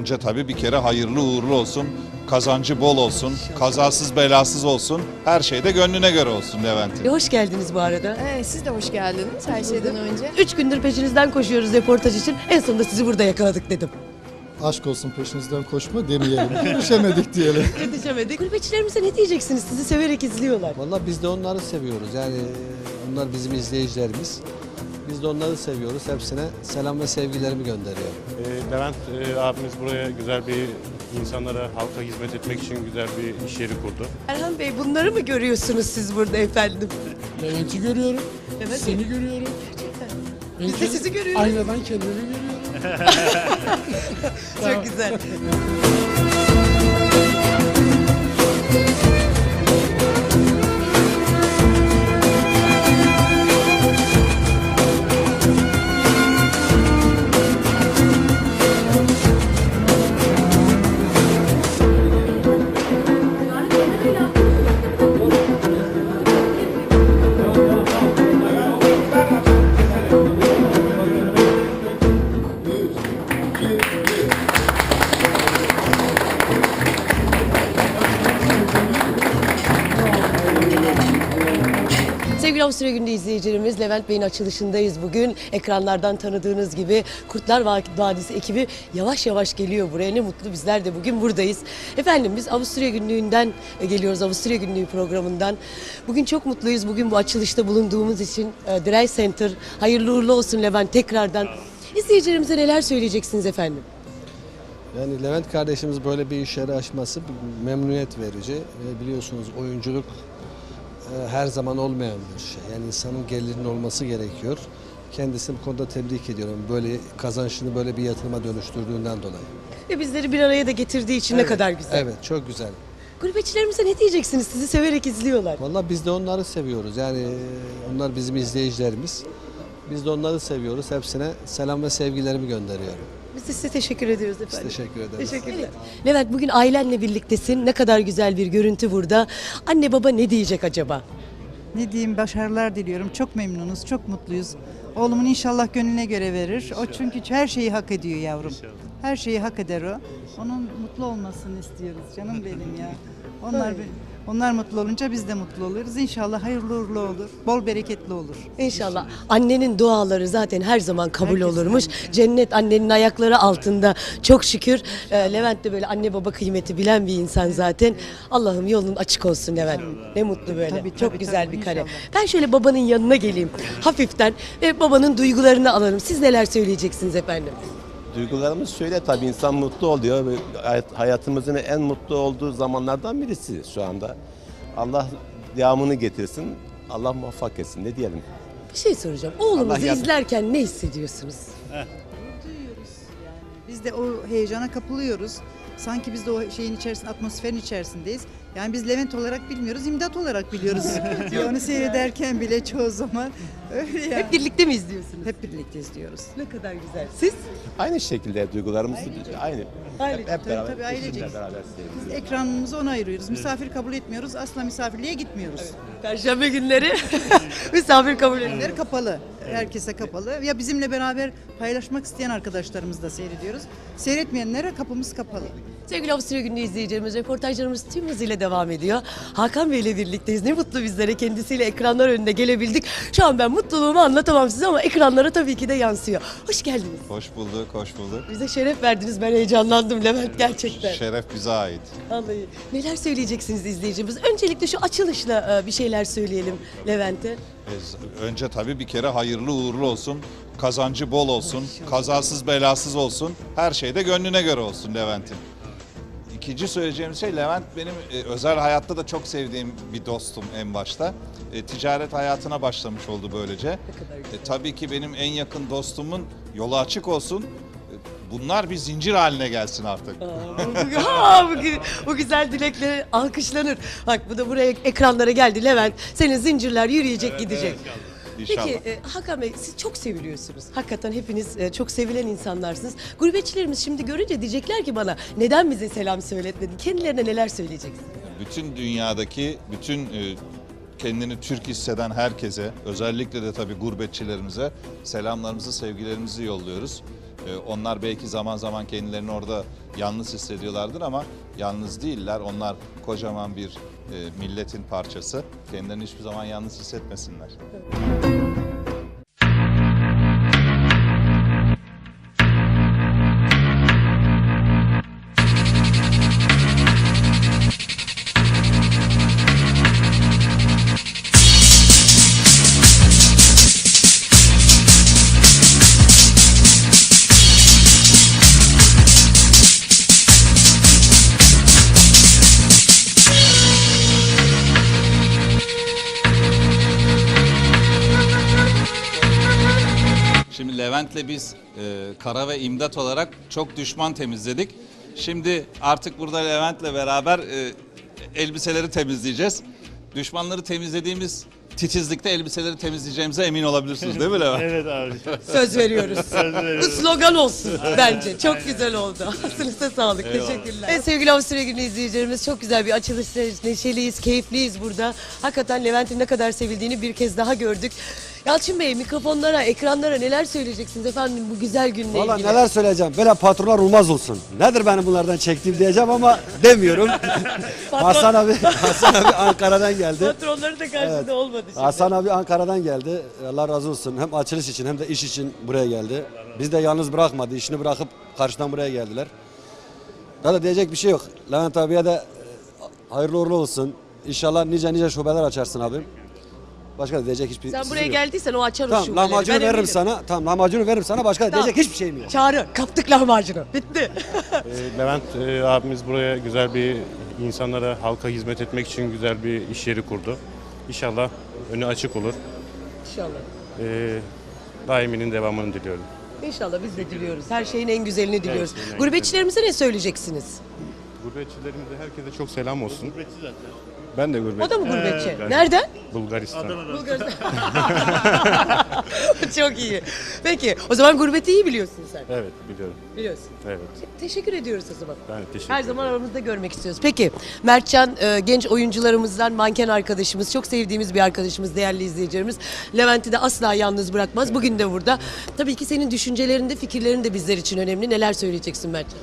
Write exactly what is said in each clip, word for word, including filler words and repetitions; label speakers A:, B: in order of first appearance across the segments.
A: Önce tabii bir kere hayırlı uğurlu olsun, kazancı bol olsun, kazasız belasız olsun, her şey de gönlüne göre olsun Levent'in.
B: E, hoş geldiniz bu arada.
C: Evet, siz de hoş geldiniz her şeyden önce.
B: Üç gündür peşinizden koşuyoruz reportaj için. En sonunda sizi burada yakaladık dedim.
D: Aşk olsun peşinizden koşma demeyelim. Görüşemedik diyelim.
B: Yetişemedik. Gurbetçilerimize ne diyeceksiniz? Sizi severek izliyorlar.
E: Vallahi biz de onları seviyoruz. Yani onlar bizim izleyicilerimiz. Biz de onları seviyoruz. Hepsine selam ve sevgilerimi gönderiyorum.
F: E, Levent e, abimiz buraya güzel bir insanlara, halka hizmet etmek için güzel bir iş yeri kurdu.
B: Erhan Bey, bunları mı görüyorsunuz siz burada efendim?
G: Levent'i görüyorum,
B: Evet.
G: seni görüyorum.
B: Gerçekten.
G: Ben
B: Biz de
G: kend-
B: sizi görüyoruz.
G: Aynadan kendimi görüyorum.
B: Çok güzel. Sevgili Avusturya Günü izleyicilerimiz, Levent Bey'in açılışındayız bugün. Ekranlardan tanıdığınız gibi Kurtlar Vadisi ekibi yavaş yavaş geliyor buraya. Ne mutlu, bizler de bugün buradayız. Efendim, biz Avusturya Günlüğü'nden geliyoruz, Avusturya Günlüğü programından. Bugün çok mutluyuz, bugün bu açılışta bulunduğumuz için. Drey Center, hayırlı uğurlu olsun Levent tekrardan. İzleyicilerimize neler söyleyeceksiniz efendim?
E: Yani Levent kardeşimiz böyle bir iş yeri açması bir memnuniyet verici. Ve biliyorsunuz oyunculuk e, her zaman olmayan bir şey. Yani insanın gelirinin olması gerekiyor. Kendisini bu konuda tebrik ediyorum. Böyle kazançını böyle bir yatırıma dönüştürdüğünden dolayı.
B: Ve bizleri bir araya da getirdiği için ne kadar güzel.
E: Evet, çok güzel.
B: Gurbetçilerimize ne diyeceksiniz? Sizi severek izliyorlar.
E: Vallahi biz de onları seviyoruz. Yani e, onlar bizim izleyicilerimiz. Biz de onları seviyoruz. Hepsine selam ve sevgilerimi gönderiyorum.
B: Biz de size teşekkür ediyoruz
E: Biz
B: efendim.
E: teşekkür ederiz.
B: Teşekkürler. Levent, bugün ailenle birliktesin. Ne kadar güzel bir görüntü burada. Anne baba ne diyecek acaba?
H: Ne diyeyim, başarılar diliyorum. Çok memnunuz, çok mutluyuz. Oğlumun inşallah gönlüne göre verir. O çünkü her şeyi hak ediyor yavrum. Her şeyi hak eder o. Onun mutlu olmasını istiyoruz canım benim ya. Onlar onlar mutlu olunca biz de mutlu oluruz. İnşallah hayırlı uğurlu olur. Bol bereketli olur.
B: İnşallah. Annenin duaları zaten her zaman kabul
H: Herkesin
B: olurmuş.
H: annesi.
B: Cennet annenin ayakları altında. Çok şükür. Ee, Levent de böyle anne baba kıymeti bilen bir insan zaten. Allah'ım yolun açık olsun Levent. Ne mutlu böyle.
H: Tabii,
B: Çok
H: tabii,
B: güzel
H: tabii,
B: bir kare.
H: inşallah.
B: Ben şöyle babanın yanına geleyim. Hafiften ve babanın duygularını alalım. Siz neler söyleyeceksiniz efendim?
I: Duygularımız şöyle, tabii insan mutlu oluyor ve hayat- hayatımızın en mutlu olduğu zamanlardan birisi şu anda. Allah devamını getirsin, Allah muvaffak etsin, ne diyelim.
B: Bir şey soracağım. Oğlunuzu
I: Allah yardım-
B: izlerken ne hissediyorsunuz?
H: Biz de o heyecana kapılıyoruz. Sanki biz de o şeyin içerisinde, atmosferin içerisindeyiz. Yani biz Levent olarak bilmiyoruz, imdat olarak biliyoruz. Onu seyrederken bile çoğu zaman öyle ya.
B: Hep birlikte mi izliyorsunuz?
H: Hep birlikte izliyoruz.
B: Ne kadar güzel. Siz?
I: Aynı şekilde duygularımız aynı.
B: Aynı.
I: Hep, hep
H: Tabii,
I: beraber,
H: tabii, ailecek.
I: eşimle beraber
H: Biz
I: seviyoruz.
H: ekranımızı ona ayırıyoruz. Misafir kabul etmiyoruz. Asla misafirliğe gitmiyoruz.
B: Perşembe günleri misafir kabul edilir.
H: Önleri kapalı. Herkese kapalı. Ya bizimle beraber paylaşmak isteyen arkadaşlarımızı da seyrediyoruz. Seyretmeyenlere kapımız kapalı.
B: Sevgili Avusturya Günü izleyicilerimiz, reportajlarımız tüm hızıyla devam ediyor. Hakan Bey ile birlikteyiz. Ne mutlu bizlere, kendisiyle ekranlar önünde gelebildik. Şu an ben mutluluğumu anlatamam size ama ekranlara tabii ki de yansıyor. Hoş geldiniz.
A: Hoş bulduk, hoş bulduk.
B: Bize şeref verdiniz. Ben heyecanlandım Levent gerçekten.
A: Şeref bize ait.
B: Vallahi. Neler söyleyeceksiniz izleyicimiz? Öncelikle şu açılışla e, bir şeyler söyleyelim Levent'e.
A: E, Önce tabii bir kere hayırlı uğurlu olsun, kazancı bol olsun, kazasız belasız olsun, her şey de gönlüne göre olsun Levent'in. İkinci söyleyeceğim şey, Levent benim e, özel hayatta da çok sevdiğim bir dostum en başta. E, ticaret hayatına başlamış oldu böylece.
B: Ne kadar güzel.
A: E, tabii ki benim en yakın dostumun yolu açık olsun. E, bunlar bir zincir haline gelsin artık.
B: Aa, bu, gü- bu güzel dilekleri alkışlanır. Bak bu da buraya ekranlara geldi Levent. Senin zincirler yürüyecek gidecek.
A: İnşallah.
B: Peki e, Hakan Bey, siz çok seviliyorsunuz. Hakikaten hepiniz e, çok sevilen insanlarsınız. Gurbetçilerimiz şimdi görünce diyecekler ki bana neden bize selam söyletmedin? Kendilerine neler söyleyeceksiniz?
A: Bütün dünyadaki bütün e, kendini Türk hisseden herkese, özellikle de tabii gurbetçilerimize selamlarımızı, sevgilerimizi yolluyoruz. E, onlar belki zaman zaman kendilerini orada yalnız hissediyorlardır ama yalnız değiller. Onlar kocaman bir e, milletin parçası. Kendilerini hiçbir zaman yalnız hissetmesinler. Şimdi Levent'le biz e, kara ve imdat olarak çok düşman temizledik. Şimdi artık burada Levent'le beraber e, elbiseleri temizleyeceğiz. Düşmanları temizlediğimiz titizlikte elbiseleri temizleyeceğimize emin olabilirsiniz değil mi Levent?
F: Evet abi.
B: Söz veriyoruz. Bu slogan olsun bence. Çok güzel oldu. Aslınıza sağlık.
A: Eyvallah.
B: Teşekkürler. Evet, sevgili Avusturya Günü izleyicilerimiz, çok güzel bir açılıştayız. Neşeliyiz, keyifliyiz burada. Hakikaten Levent'in ne kadar sevildiğini bir kez daha gördük. Yalçın Bey, mikrofonlara, ekranlara neler söyleyeceksiniz efendim bu güzel günle
J: Valla
B: ilgili?
J: neler söyleyeceğim. Böyle patronlar olmaz olsun. Nedir benim bunlardan çektiğim diyeceğim ama demiyorum. Hasan abi Hasan abi Ankara'dan geldi.
B: Patronları da karşısında
J: Evet.
B: olmadı şimdi.
J: Hasan abi Ankara'dan geldi. Allah razı olsun. Hem açılış için hem de iş için buraya geldi. Biz de yalnız bırakmadı. İşini bırakıp karşıdan buraya geldiler. Daha da diyecek bir şey yok. Levent abiye de e, hayırlı uğurlu olsun. İnşallah nice nice şubeler açarsın abim. Başka da diyecek hiçbir
B: Sen
J: sözüm
B: buraya
J: yok.
B: geldiysen o açar o
J: Tamam
B: şubeleri.
J: lahmacunu
B: Ben
J: veririm
B: eminim.
J: sana. Tamam lahmacunu veririm sana. Başka da
B: Tamam.
J: diyecek hiçbir şeyim yok.
B: Çağrı, kaptık lahmacunu. Bitti.
F: Ee, Levent e, abimiz buraya güzel bir insanlara, halka hizmet etmek için güzel bir iş yeri kurdu. İnşallah önü açık olur.
B: İnşallah.
F: Ee, daiminin devamını diliyorum.
B: İnşallah biz de diliyoruz. Her şeyin en güzelini diliyoruz.
F: şeyin en
B: Gurbetçilerimize ne söyleyeceksiniz?
F: Gurbetçilerimize herkese çok selam olsun. Ben de gurbetçi.
B: O da mı gurbetçi?
F: ben-
B: Nereden?
F: Bulgaristan.
B: Bulgaristan. Çok iyi. Peki o zaman gurbeti iyi biliyorsun sen.
F: Evet biliyorum.
B: Biliyorsun.
F: Evet.
B: Teşekkür ediyoruz o zaman.
F: Ben de teşekkür
B: Her
F: ederim.
B: zaman aramızda görmek istiyoruz. Peki Mertcan e, genç oyuncularımızdan manken arkadaşımız, çok sevdiğimiz bir arkadaşımız, değerli izleyicilerimiz. Levent'i de asla yalnız bırakmaz. Bugün de burada. Tabii ki senin düşüncelerin de fikirlerin de bizler için önemli. Neler söyleyeceksin Mertcan?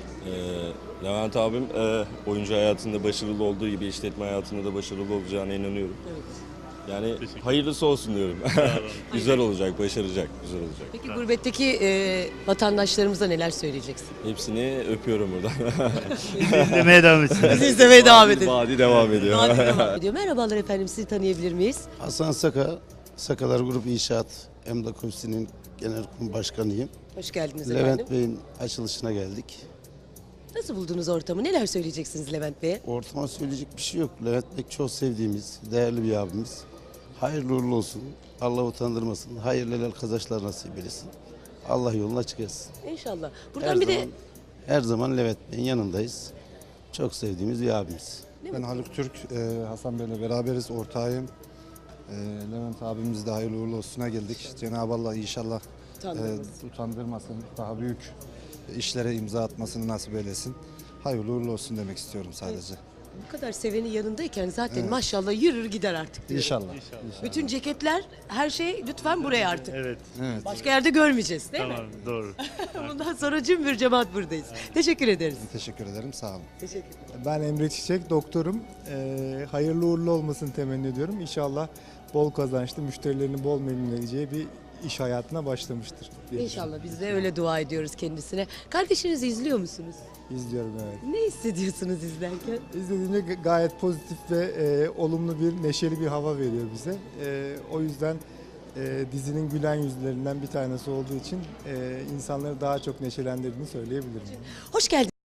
K: Ee, Levent abim e, oyuncu hayatında başarılı olduğu gibi işletme hayatında da başarılı olacağına inanıyorum.
B: Evet.
K: Yani hayırlısı olsun diyorum. Güzel olacak, başaracak, güzel olacak.
B: Peki gurbetteki e, vatandaşlarımıza neler söyleyeceksin?
K: Hepsini öpüyorum buradan.
G: İzlemeye devam etsin.
B: Bizi izlemeye devam edin.
K: Vadi devam ediyor.
B: Vadi devam ediyor. Merhabalar efendim, sizi tanıyabilir miyiz?
L: Hasan Saka, Sakalar Grup İnşaat Emlak Ofisi'nin genel kurul başkanıyım.
B: Hoş geldiniz efendim.
L: Levent Bey'in açılışına geldik.
B: Nasıl buldunuz ortamı? Neler söyleyeceksiniz Levent Bey'e?
L: Ortama söyleyecek bir şey yok. Levent Bey çok sevdiğimiz, değerli bir abimiz. Hayırlı uğurlu olsun. Allah utandırmasın. Hayırlı helal kazançlar nasip eylesin. Allah yolunu açık etsin.
B: İnşallah. Buradan
L: Her
B: bir
L: zaman,
B: de
L: her zaman Levent Bey'in yanındayız. Çok sevdiğimiz bir abimiz.
D: Ben Haluk Türk, e, Hasan Bey'le beraberiz, ortağıyım. E, Levent abimiz de hayırlı uğurlu olsuna geldik. Cenab-ı Allah inşallah
B: Utandırmasın.
D: e, utandırmasın, daha büyük işlere imza atmasını nasip eylesin. Hayırlı uğurlu olsun demek istiyorum sadece.
B: bu kadar seveni yanındayken zaten maşallah yürür gider artık diyorum.
D: İnşallah.
B: Bütün ceketler, her şey lütfen buraya artık.
G: Evet.
D: Evet.
B: Başka yerde görmeyeceğiz değil
G: Tamam, doğru.
B: mi? Bundan sonra cümbür cemaat buradayız. Teşekkür ederiz.
D: Teşekkür ederim, sağ olun.
B: Teşekkür
M: Ben Emre Çiçek, doktorum. Ee, hayırlı uğurlu olmasını temenni ediyorum. İnşallah bol kazançlı, müşterilerini bol memnun edeceği bir iş hayatına başlamıştır. diye
B: İnşallah biz de öyle dua ediyoruz kendisine. Kardeşinizi izliyor musunuz?
M: İzliyorum, evet.
B: Ne hissediyorsunuz izlerken?
M: İzlediğimde g- gayet pozitif ve e, olumlu bir, neşeli bir hava veriyor bize. E, o yüzden e, dizinin gülen yüzlerinden bir tanesi olduğu için e, insanları daha çok neşelendirdiğini söyleyebilirim.
B: Hoş geldiniz.